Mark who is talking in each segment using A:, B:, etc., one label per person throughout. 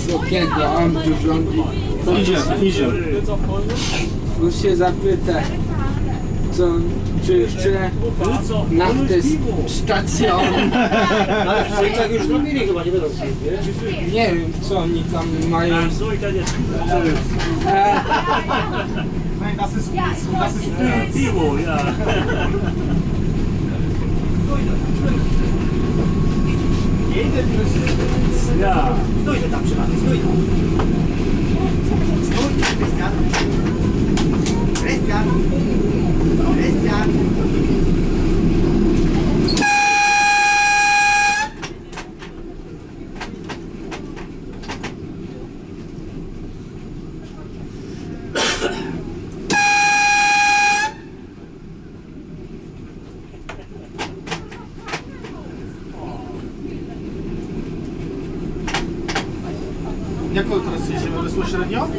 A: Wysokiego, on tu rządzi.
B: Idzie.
A: Muszę się zapytać, co, czy jeszcze naftę stacją.
C: Ale w Szwajcach już zrobili chyba, nie będą chcieli, nie?
A: Nie wiem, co oni tam mają.
D: Piwo, ja. Ja.
C: Stój tam przy nami, stój tam. Stój, Krystian. Krystian. Krystian.
B: Jak teraz jedziemy bezpośrednio?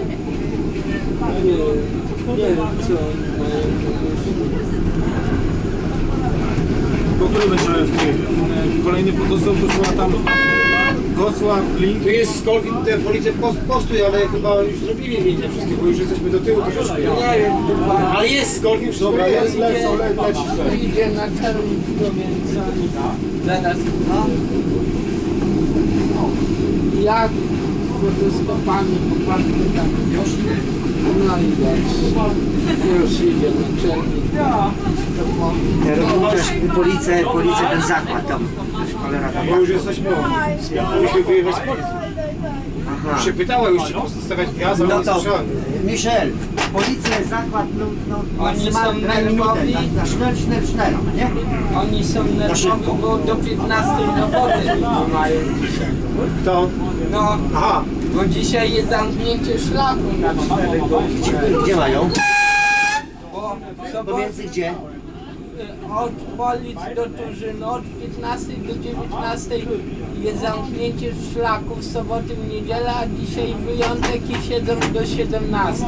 A: Nie wiem, co oni mają.
B: Po którym będziemy w Kijowie? Kolejny podostęp to chyba tam Wrocław, Link.
C: Tu jest Skolwin, te policja postój, ale chyba już zrobili zdjęcia wszystkie, bo już jesteśmy do tyłu troszeczkę.
A: Nie wiem, chyba
C: Ale jest Skolwin, wszystko
B: Dobra,
C: jest.
A: idzie na czerwnicę, więc oni zaraz. Jak fotostopami popatrzmy tam wiośnie. No i już idzie na czerwnicę.
C: Policja ten zakład tam. Cholera tam. Bo już jesteśmy, musimy wyjechać z policji. Już się pytała, już ci postawiać wjazd, ale
E: No
C: nie
E: to,
C: słyszałem.
E: Michel, policja, zakład,
A: Oni są
E: maksymalnie minutę,
A: nerwowi.
E: na sznel, nie?
A: Oni są nerwowi, bo do 15 roboty mają dzisiaj.
C: Kto?
A: No,
C: Aha.
A: bo dzisiaj jest zamknięcie szlaku na 4 godziny.
E: Gdzie mają?
A: Bo w sobotę
E: Pomiędzy gdzie?
A: od Polic do Turzyny od 15 do 19 jest zamknięcie szlaku w sobotę, w niedzielę, a dzisiaj wyjątek i siedzą do 17.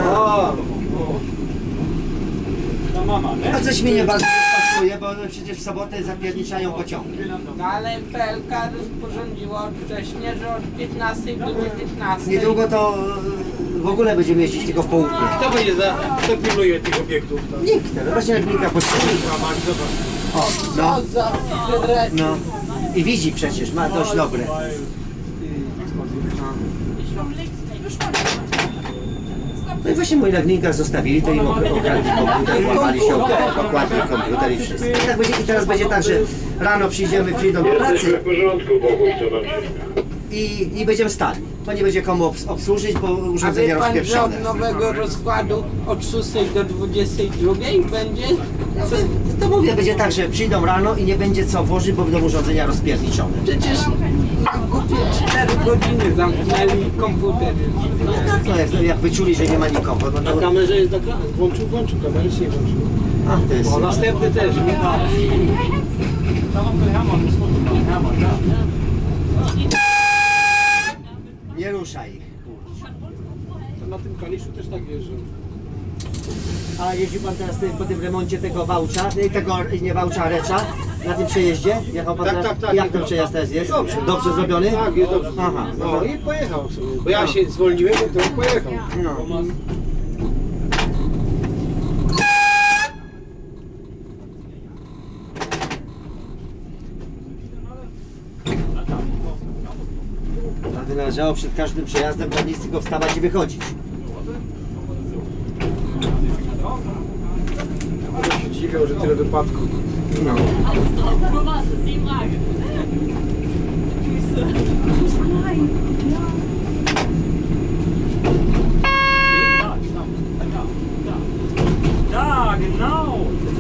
E: No coś mi nie bardzo pasuje, bo przecież w sobotę zapierniczają pociągi.
A: No ale PLK rozporządziła odwcześnie, że od 15 do 19.
E: Niedługo to w ogóle będziemy jeździć tylko w południe.
C: Kto pilnuje tych obiektów? Tam?
E: Nikt, no właśnie Legnika potrzebuje. O, no,
A: Co za federacja.
E: no. I widzi przecież, ma dość dobre. No i właśnie mój Legnika zostawili, to im okradli komputer, włamali się, okładli komputer i wszystko. I teraz będzie tak, że rano przyjdą do pracy
F: W porządku, Boguś, co nam się...
E: i będziemy stali, bo nie będzie komu obsłużyć, bo
A: A
E: urządzenia
A: wie pan, że
E: rozpieprzone.
A: od nowego rozkładu od 6 do 22 będzie?
E: To mówię, będzie tak, że przyjdą rano i nie będzie co włożyć, bo będą urządzenia rozpierniczone.
A: Przecież na głupie 4 godziny zamknęli komputer.
E: No jak wyczuli, że nie ma nikogo, no
C: Na
E: to...
C: kamerze jest włączył, kamerę się nie włączył.
E: A, to jest...
C: O, następny też.
E: Nie ruszaj ich.
C: Na tym Kaliszu też tak jeżdżą.
E: A jeździ pan teraz po tym remoncie tego Wałcza, nie Wałcza, Recza, na tym przejeździe? Jechał pan
C: Tak,
E: teraz?
C: tak, tak.
E: Jak ten przejazd teraz jest?
C: Dobrze.
E: Dobrze zrobiony?
C: Tak, jest dobrze.
E: Aha.
C: No i pojechał sobie. Bo ja się zwolniłem, to on pojechał.
E: No. A by należało przed każdym przejazdem dla nic tylko wstawać i wychodzić.
C: Ja się dziwią, że tyle wypadków.
E: No.
D: Ja, genau.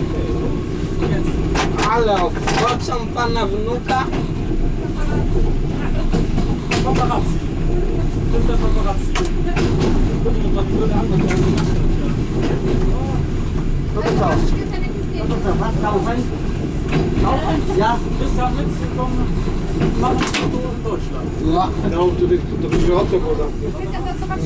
A: Ale obchodzą pana wnuka?
D: Paparazzi. To jest paparazzi.
E: No to co? No to co? Was Taufen? Ja?
D: Bis da mitzukommen, machen wir so in Deutschland.
A: No,
C: No, tutaj to będzie okno było zamknięte.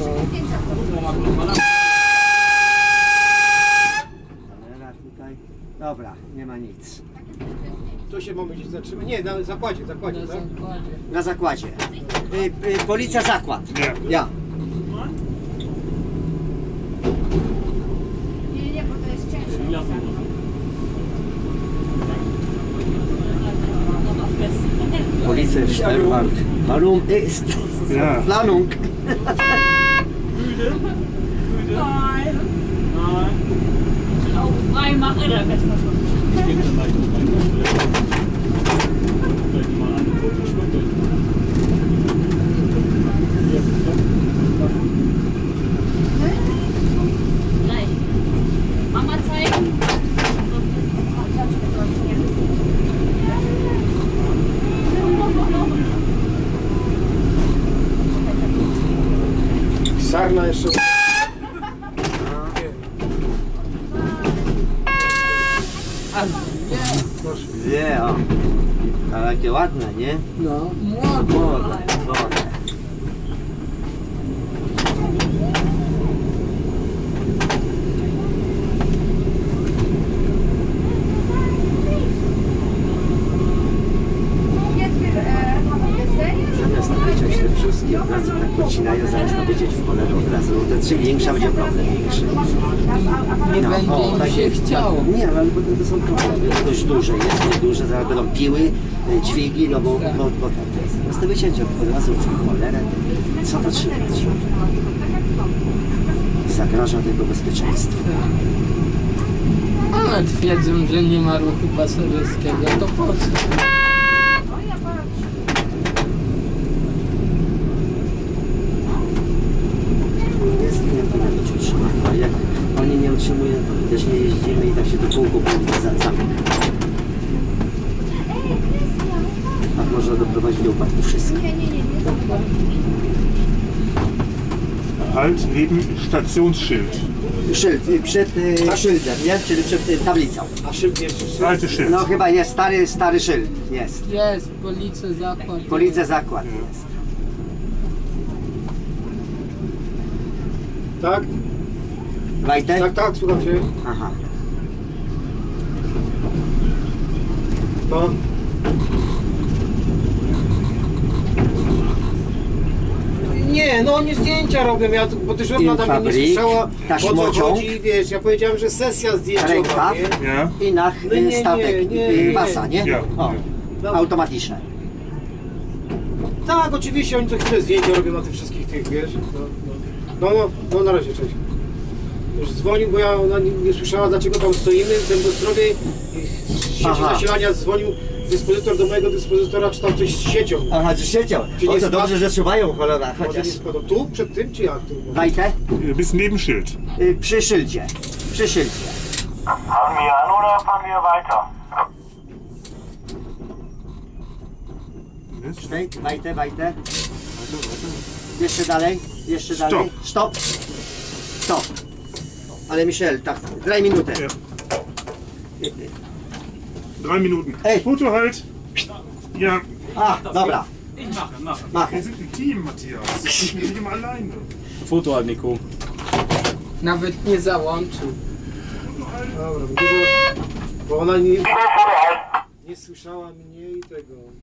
E: Kamera tutaj. Dobra, nie ma nic.
C: To się mamy gdzieś zatrzymać. Nie, na zakładzie,
A: Na
C: tak?
A: zakładzie.
E: Na zakładzie. Policja zakład.
B: Nie.
E: Ja.
F: Nie, bo to jest ciężko.
E: Policja Sperrbank. Warum ist
B: Ja.
E: Planung?
G: Augen frei machen, dann besser schon.
D: Ich gebe dann gleich noch rein. Vielleicht mal an den Fotos
G: Gleich. Mama zeigen.
C: Sarna jeszcze.
E: Nie, o. Ale jakie ładne, nie?
A: No, młody.
E: Młode, młode. Zamiast wyciąć te wszystkie od razu tak podcinają, zamiast to wyciąć w cholerę od razu. To czym większa będzie problem większy.
A: Nie
E: No,
A: będzie im
E: tak
A: się
E: jest.
A: chciało.
E: Nie, ale potem to są problemy. Dość duże jest, nieduże, zaraz będą piły, dźwigi, no bo tak jest. Zamiast to wyciąć od razu w cholerę, co to trzymać? Zagraża tego bezpieczeństwu.
A: Ale twierdzą, że nie ma ruchu pasażerskiego, to po co?
E: Jest i nie powinno być utrzymane. A jak oni nie utrzymują, to my też nie jeździmy i tak się do kółku zamyka. Tak można doprowadzić do upadku wszystkich.
B: Halt neben Stationsschild.
E: Szyld, przed szyldem, nie? Czyli przed tablicą.
C: A szyld jest.
B: Alte Schild.
E: No chyba jest stary szyld, jest.
A: Jest, policja zakład.
E: Policja zakład jest.
C: Tak?
E: Wajtek?
C: Tak, tak, słucham cię.
E: Aha.
C: No. Nie, no oni zdjęcia robią, bo też ona tam mnie nie
E: Infabrik,
C: słyszała, o co
E: taśmociąg.
C: chodzi, wiesz, ja powiedziałem, że sesja zdjęciowa,
E: Rękaw.
C: nie?
B: Ja.
E: I na
C: No nie,
E: statek,
C: nie.
E: basa, nie?
B: Ja.
E: O,
C: No.
E: automatyczne.
C: Tak, oczywiście, oni co chwilę zdjęcia robią na tych wszystkich tych, wiesz, no, na razie, cześć. Już dzwonił, bo ona nie słyszała, dlaczego tam stoimy w Dębostrowie i z sieci
E: Aha.
C: zasilania dzwonił dyspozytor do mojego dyspozytora, czy tam coś z siecią.
E: Aha, że siedział.
C: Czy nie
E: O, to
C: spadł?
E: dobrze, że czuwają cholera,
C: Może
E: chociaż.
C: nie spadł tu, przed tym, czy jak? Tu?
E: Wajtek?
B: Bis neben Schild.
E: Przy szyldzie. Przy szyldzie.
H: Fangen wir an oder fahren wir weiter?
B: Mist.
E: Wajtek. Jeszcze dalej, jeszcze dalej. Stop. Stop. Ale Michel, tak, daj minutę.
B: Ja. 3 Minuten.
E: Ej.
B: Foto halt. Ja,
E: A, dobra. Mach.
B: wir sind ein Team, Matthias. Ich bin nicht immer alleine.
D: Foto halt, Nico.
A: Nawet nie załączył.
C: Dobra, bo ona nie słyszała mnie i tego.